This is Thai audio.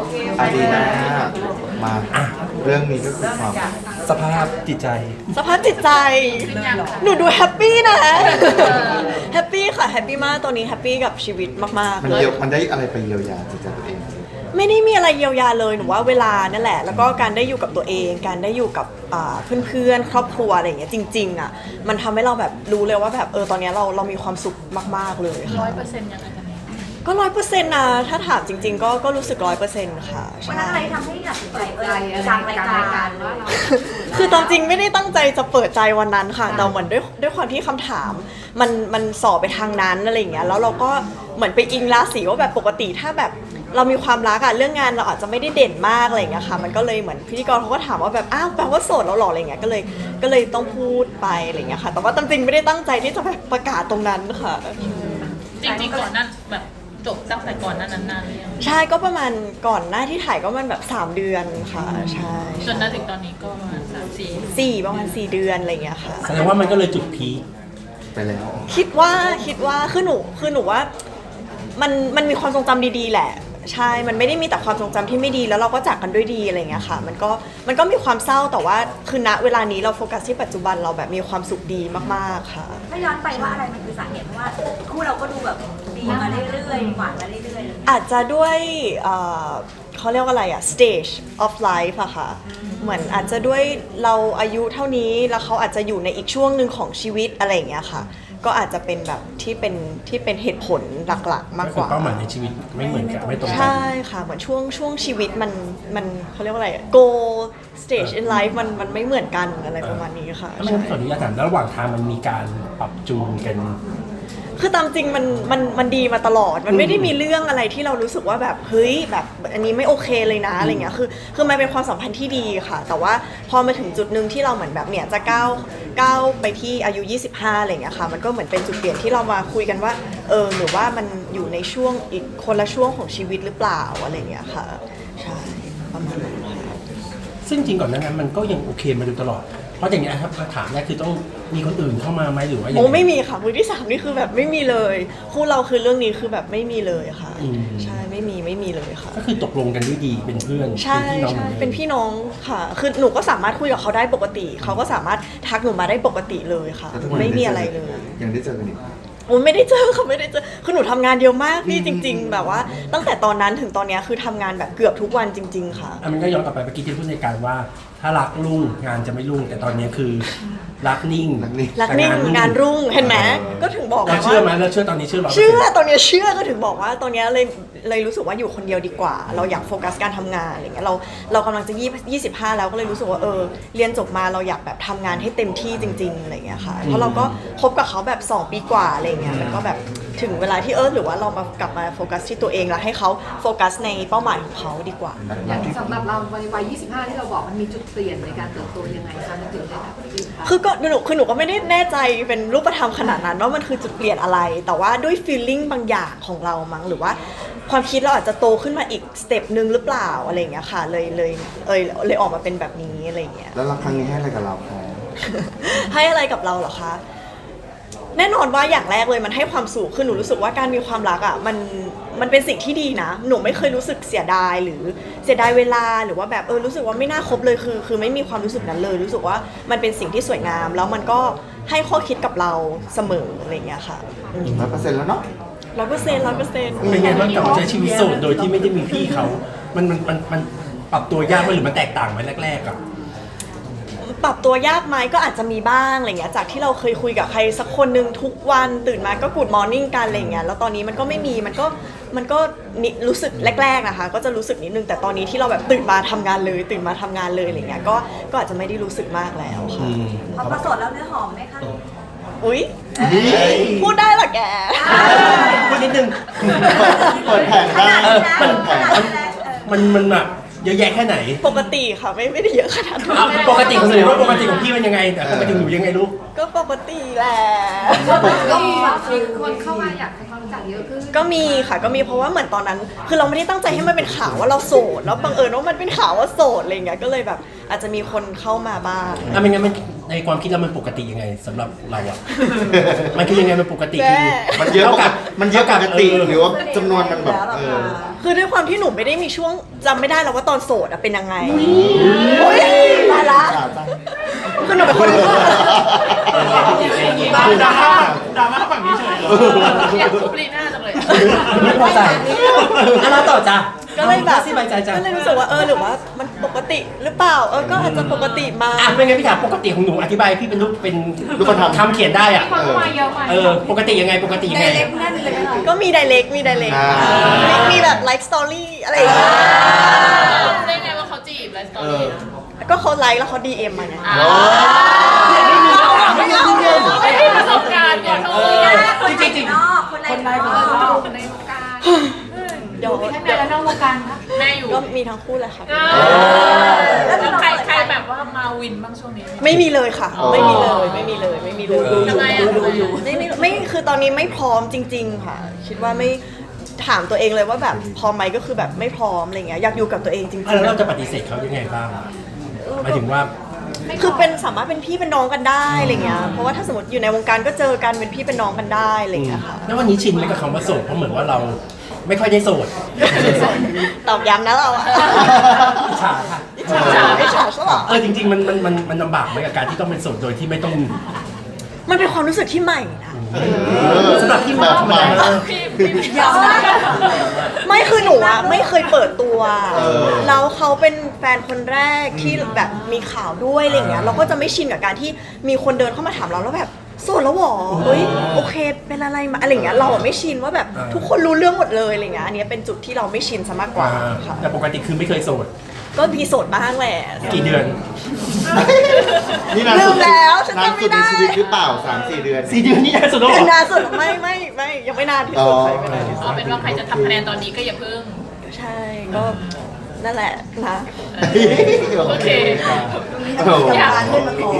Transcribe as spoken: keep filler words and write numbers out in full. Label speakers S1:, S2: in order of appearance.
S1: อารีนามาเรื่องนี้ก็คือความ
S2: สภาพจิตใจ
S3: สภาพจิตใจ หนูดูแฮปปี้นะ แฮปปี้ค่ะ แฮปปี้มากตอนนี้แฮปปี้กับชีวิตมาก
S1: มัน
S3: ๆ เลย
S1: เยียวมันได้อะไรไปเยียวยาจิตใจตัวเอง
S3: ไม่ได้มีอะไรเยียวยาเลยหนูว่าเวลานั่นแหละ แล้วก็การได้อยู่กับตัวเอง การได้อยู่กับอ่าเพื่อนๆ ครอบครัวอะไรอย่างเงี้ยจริงๆอ่ะมันทำให้เราแบบรู้เลยว่าแบบเออตอนเนี้ยเราเรามีความสุขมากๆเลยค่ะ
S4: ร้อยเปอร์เซ็นต์ยังไงกันเนี่ย
S3: ก็ร้อยเปอร์เซ็นต์นะถ้าถามจริง ๆ ก็ก็รู้สึกร้อยเปอร์เซ็นต์ค่ะ
S5: วัน
S3: ใช่
S5: นั้นอะไรทำให้ตัดสินใจเออกลางรายการว่าเรา
S3: คือตามจริงไม่ได้ตั้งใจจะเปิดใจวันนั้นค่ะแต่เหมือนด้วยด้วยความที่คำถาม มันมันสอบไปทางนั้นอะไรอย่างเงี้ยแล้วเราก็เหมือนไปอิงราศีว่าแบบปกติถ้าแบบเรามีความรักอะเรื่องงานเราอาจจะไม่ได้เด่นมากอะไรอย่างเงี้ยค่ะมันก็เลยเหมือนพิธีกรเขาก็ถามว่าแบบอ้าวแปลว่าโสดแล้วหรออะไรเงี้ยก็เลยก็เลยต้องพูดไปอะไรเงี้ยค่ะแต่ว่าตามจริงไม่ได้ตั้งใจที่จะแบบประกาศตรงนั้นค่ะ
S4: จริงๆก่อนนั้นแบบจบตั้งแต่ก่อนนั้นนานๆเลยง
S3: ใช่ก็ประมาณก่อนหน้าที่ถ่ายก็มันแบบสามเดือนค่ะใช่
S4: จนมาถึงตอนนี้ก็ประมาณสามสี่
S3: สี่ประมาณสี่เดือนอะไรเงี้ยค่ะ
S2: แสดงว่ามันก็เลยจุดพีค
S1: ไปแล้ว
S3: คิดว่าคิดว่าคือหนูคือหนูว่ามันมันมีความทรงจำดีๆแหละใช่มันไม่ได้มีแต่ความทรงจำที่ไม่ดีแล้วเราก็จากกันด้วยดีอะไรเงี้ยค่ะมันก็มันก็มีความเศร้าแต่ว่าคือณเวลานี้เราโฟกัสที่ปัจจุบันเราแบบมีความสุขดีมากๆค่ะ
S5: ถ้าย้อนไปว่าอะไรมันคือสาเหตุเพราะว่าคู่เราก็ดูแบบดีมาเรื่อยๆหวานมาเรื่อยๆ
S3: อาจจะด้วยเอ่อเขาเรียกว่าอะไรอะ stage of life อะค่ะเหมือนอาจจะด้วยเราอายุเท่านี้แล้วเขาอาจจะอยู่ในอีกช่วงหนึ่งของชีวิตอะไรอย่างเงี้ยค่ะก็อาจจะเป็นแบบที่เป็นที่เป็นเหตุผลหลักๆ มาก
S2: ก็
S3: ก
S2: คือ
S3: ว่า
S2: เป้าหมายในชีวิตไม่เหมือนกันไม่ตรงกั
S3: ใช่ค่ะเหมือนช่วงช่วงชีวิตมันมันเขาเรียกว่าอะไร goal stage in life มันมันไม่เหมือนกันอะไรประมาณนี้ค่ะ
S2: ถ้าไม่งั้นขออนุญาตถามแล้วระหว่างทางมันมีการปรับจูนกัน
S3: คือตามจริงมันมันมันดีมาตลอด มันไม่ได้มีเรื่องอะไรที่เรารู้สึกว่าแบบเฮ้ยแบบอันนี้ไม่โอเคเลยนะอะไรเงี้ยคือคือมันเป็นความสัมพันธ์ที่ดีค่ะ แต่ว่าพอมาถึงจุดหนึ่งที่เราเหมือนแบบเนี่ยจะก้าวก้าวไปที่อายุยี่สิบห้าอะไรเงี้ยค่ะมันก็เหมือนเป็นจุดเปลี่ยนที่เรามาคุยกันว่าเออหรือว่ามันอยู่ในช่วงอีกคนละช่วงของชีวิตหรือเปล่าอะไรเงี้ยค่ะใช่ประมาณนั้นค่ะ
S2: ซึ่งจริงก่อนหนานั้นมันก็ยังโอเคมาโดยตลอด เพราะอย่างนี้ยครับถามเนี่ยคือต้องมีคนอื่นเข้ามาไหมหรือว่ายัง
S3: โอ้
S2: ไง
S3: ไม่มีค่ะมือที่สามนี่คือแบบไม่มีเลยคู่เราคือเรื่องนี้คือแบบไม่มีเลยค่ะ
S2: อืม
S3: ใช่ไม่มีไม่มีเลยค่ะ
S2: ก็คือตกลงกันด้วยดีเป็นเพื่อน
S3: ใช่
S2: เป็นพี่น้อง
S3: ใช่
S2: หมือดิม
S3: เป็นพี่น้องค่ะ คือหนูก็สามารถคุยกับเขาได้ปกติ เขาก็สามารถทักหนูมาได้ปกติเลยค่ะ
S1: แล้วทุกวัน
S3: ไม่
S1: นี้
S3: มีอะไรเลย
S1: ยังได้เจอกันอีก
S3: โอ้ไม่ได้เจอค่ะไม่ได้เจอ คือหนูทำงานเยอะมากพี่จริง ๆ แบบว่า ตั้งแต่ตอนนั้นถึงตอนเนี้ยคือทำงานแบบเกือบทุกวันจริง ๆ ค่ะ
S2: อ่ะมันก็ย้อนกลับไปเมื่อกี้ที่พูดในการว่า ถ้ารักรุ่งงานจะไม่รุ่งแต่ตอนนี้คือรักนิ่ง
S1: รักนิ่ง
S3: รักนิ่งงานรุ่งเห็นไหมก็ถึงบอก
S2: เรา
S3: ว่า
S2: เชื่อไหมเราเชื่อตอนนี้เชื่อเรา
S3: เชื่อตอนเนี้ยเชื่อก็ถึงบอกว่าตอนเนี้ยเลยเลยรู้สึกว่าอยู่คนเดียวดีกว่า เราอยากโฟกัสการทำงานอะไรเงี้ยเราเรากำลังจะยี่ยี่สิบห้าแล้วก็เลยรู้สึกว่าเออเรียนจบมาเราอยากแบบทำงานให้เต็มที่จริงๆอะไรเงี้ยค่ะเพราะเราก็คบกับเขาแบบสองปีกว่าอะไรเงี้ยมันก็แบบถึงเวลาที่เออหรือว่าเรามากลับมาโฟกัสที่ตัวเองแล้วให้เขาโฟกัสในเป้าหมายของเขาดีกว่า
S6: อย่างสำหรับเราในวัย ยี่สิบห้า ที่เราบอกมันมีจุดเปลี่ยนในการเติบโตยังไงคะมันถึงได้แบบนี้คะ
S3: คือก็หนูคือหนูก็ไม่ได้แน่ใจเป็นรูปธรรมขนาดนั้นว่ามันคือจุดเปลี่ยนอะไร แต่ว่าด้วย feeling บางอย่างของเรามั้งหรือว่าความคิดเราอาจจะโตขึ้นมาอีกสเต็ปหนึ่งหรือเปล่าอะไรอย่างเงี้ยค่ะเลยเลยเอยเลยออกมาเป็นแบบนี้อะไรอย่างเงี้ย
S1: แล้วรักครั้งนี้ให้อะไรกับเราคะ
S3: ให้อะไรกับเราเหรอคะ แน่นอนว่าอย่างแรกเลยมันให้ความสุขคือหนูรู้สึกว่าการมีความรักอ่ะมันมันเป็นสิ่งที่ดีนะ หนูไม่เคยรู้สึกเสียดายหรือเสียดายเวลาหรือว่าแบบเออรู้สึกว่าไม่น่าคบเลยคือ คือไม่มีความรู้สึกนั้นเลย รู้สึกว่ามันเป็นสิ่งที่สวยงาม แล้วมันก็ให้ข้อคิดกับเราเสมออะไรอย่างเงี้ยค่ะ
S1: ร้อยเปอร์เซ็นต์แล้วเนาะ
S3: ร้อยเปอร์เซ็นต์ร้อยเปอร์เซ็นต์
S2: เป็นไงบ้างกับใช้ชีวิตโสดโดยที่ไม่ได้มีพี่เขา มันมันมันมันปรับตัวยากไหมหรือมันแตกต่างไหมแรกๆอ่ะ
S3: ปรับตัวยากไหมก็อาจจะมีบ้างอะไรเงี้ยจากที่เราเคยคุยกับใครสักคนหนึ่งทุกวันตื่นมาก็กูดมอร์นิ่งกันอะไรเงี้ยแล้วตอนนี้มันก็ไม่มีมันก็มันก็นิรู้สึกแรกๆนะคะก็จะรู้สึกนิดนึงแต่ตอนนี้ที่เราแบบตื่นมาทำงานเลย ตื่นมาทำงานเลยอะไรเงี้ยก็ก็อาจจะไม่ได้รู้สึกมากแล้วค่ะ
S5: พอประสดแล้วเนื้อหอมไหมคะ
S3: อุ๊ยพูดได้เหรอแก
S2: พูดนิดนึง
S1: เปิดแผงได้
S2: เออมัน
S1: เปิดแผง
S2: มันมันแบบเยอะแยะแค่ไหน
S3: ปกติค่ะไม่ไม่ได้เยอะขนาดนั้น
S2: เอาปกติของหนูว่าปกติของพี่มันยังไงแต่ปกติของหนูยังไงลูก
S3: ก็ปกติแหละ
S6: ก็มีมีคนเข้ามาอยากให้ความรู้จักเยอะขึ้น
S3: ก็มีค่ะก็มีเพราะว่าเหมือนตอนนั้น คือเราไม่ได้ตั้งใจให้มันเป็นข่าวว่าเราโสดแล้วบังเอิญว่ามันเป็นข่าวว่าโสดอะไรเงี้ยก็เลยแบบอาจจะมีคนเข้ามาบ้าง
S2: อ่ะไม่งั้นมันในความคิดเรามันปกติยังไงสำหรับเราอะ มันคือยังไงมันปกติคือ
S1: มันเยอะปกติมันเยอะปกติ
S2: เออ
S1: หรือว่าจำนวนมันแบบเออ
S3: คือด้วยความที่หนูไม่ได้มีช่วงจำไม่ได้แล้วว่าตอนโสดอะเป็นยังไงโอ๊ยตายละคือหนูเป็นคน
S2: ดราม่าดราม่าฝั่งนี้เฉย
S4: อยากคุบลีน่าจังเลย
S2: ไม่พอใจอ่ะเราต่อจ้ะ
S3: ก็เลยแบบ
S2: สิบายใจจ้ะ
S3: ก็เลยรู้สึกว่าเออหรือว่ามันปกติหรือเปล่าเออก็อาจจะปกติมา
S2: อ่ะไม่งั้นพี่ถามปกติของหนูอธิบายพี่เป็นรูปเป็น
S1: รูปธรรม
S2: คำเขียนได้อ่ะ
S6: ความเข้ามาเยอะไป
S2: เออปกติยังไงปกติยังไง
S5: เล็กแน่นเลยค่ะ
S3: ก็มีไดเ c กมีไดเ c ก
S1: อ่า
S3: มีมีแบบไลฟ์สตอรี่อะไรอย่างเงี้ย
S4: รู้ได้ไงว่าเขาจีบไลฟ์สไตล์
S3: ก็เขาไลค์แล้วเขาดีเอ็มมาไง
S4: อ่า
S1: โอ้
S4: ไม่มีประสบการณ์ก่อนโทษ
S2: จริงๆจริง
S5: นอกคนในนอก
S6: คนในวงการ
S3: เดี๋ยว
S6: มีทั้งในและนอกวงการคะ
S4: แม่อยู่
S3: ก็มีทั้งคู่แหละค่ะ
S4: แล้วใครใครแบบว่ามาวินบ้างช่วงนี้
S3: ไม่มีเลยค่ะ ไม่มีเลยไม่มีเลยไม่มีเลย
S4: ทำไมอ่ะทำไมอ่ะ
S3: ไม่ไม่ไม่คือตอนนี้ไม่พร้อมจริง ๆ ค่ะ คิดว่าไม่ถามตัวเองเลยว่าแบบพร้อมไหมก็คือแบบไม่พร้อมอะไรเงี้ยอยากอยู่กับตัวเองจริง
S2: อ่ะแล้วเราจะปฏิเสธเขายังไงบ้างหมายถึงว่า
S3: ๆคือเป็นสามารถเป็นพี่เป็นน้องกันได้อะไรเงี้ยเพราะว่าถ้าสมมติอยู่ในวงการก็เจอกันเป็นพี่เป็นน้องกันได้อะไรเงี้ยค่ะ
S2: แล้ววันนี้ชินไหมกับคำว่าโสดเพราะเหมือนว่าเราไม่ค่อยได้โสด
S3: ตอบย้ำนะเราอะ
S2: อิจฉาค่ะ
S3: อิจฉาอิจฉาซะเหรอ
S2: เออจริงๆมันมันมันมันลำบากไหมกับการที่ต้องเป็นโสดโดยที่ไม่ต้อง
S3: มันเป็นความรู้สึกที่ใหม่นะ
S2: สำหรับพี่มันธรรมดา
S4: พี่พี่
S3: ไม่คือหนูอะไม่เคยเปิดตัว
S1: เออ
S3: แล้วเขาเป็นแฟนคนแรกที่แบบมีข่าวด้วยอะไรเงี้ยเราก็จะไม่ชินกับการที่มีคนเดินเข้ามาถามเราแล้วแบบโสดแล้วหรอเฮ้ยโอเคเป็นอะไรมาอะไรเงี้ยเราอะไม่ชินว่าแบบทุกคนรู้เรื่องหมดเลยอะไรเงี้ยอันเนี้ยเป็นจุดที่เราไม่ชินซะมากกว่าค่ะ
S2: แต่ปกติคือไม่เคยโสด
S3: ก็มีโสดบ้างแหละ
S2: กี่เดือน
S1: นี่นาน
S3: ลื
S1: สุด
S3: มแล้วฉัน
S1: นาน
S3: จำ
S1: สุ
S3: ไม่
S1: ดใน
S3: ได้
S1: ชีวิตหรือเปล่าสามสี่เดือน
S2: สี่เดือนนี่นานสุดแล้วเหรอ
S3: นานสุดไม่ไม่ไม่ยังไม่นานที่สุดใครไม่นานที่สุ
S4: เอา
S3: ด
S4: เป็นว่าใครจะทำคะแนนตอนนี้ก็อย่าเพิ่ง
S3: ใช่ก็นั่นแหละนะ
S4: โอเค
S1: โอ้โห
S4: อยาก
S5: เลื่อนมาก่อน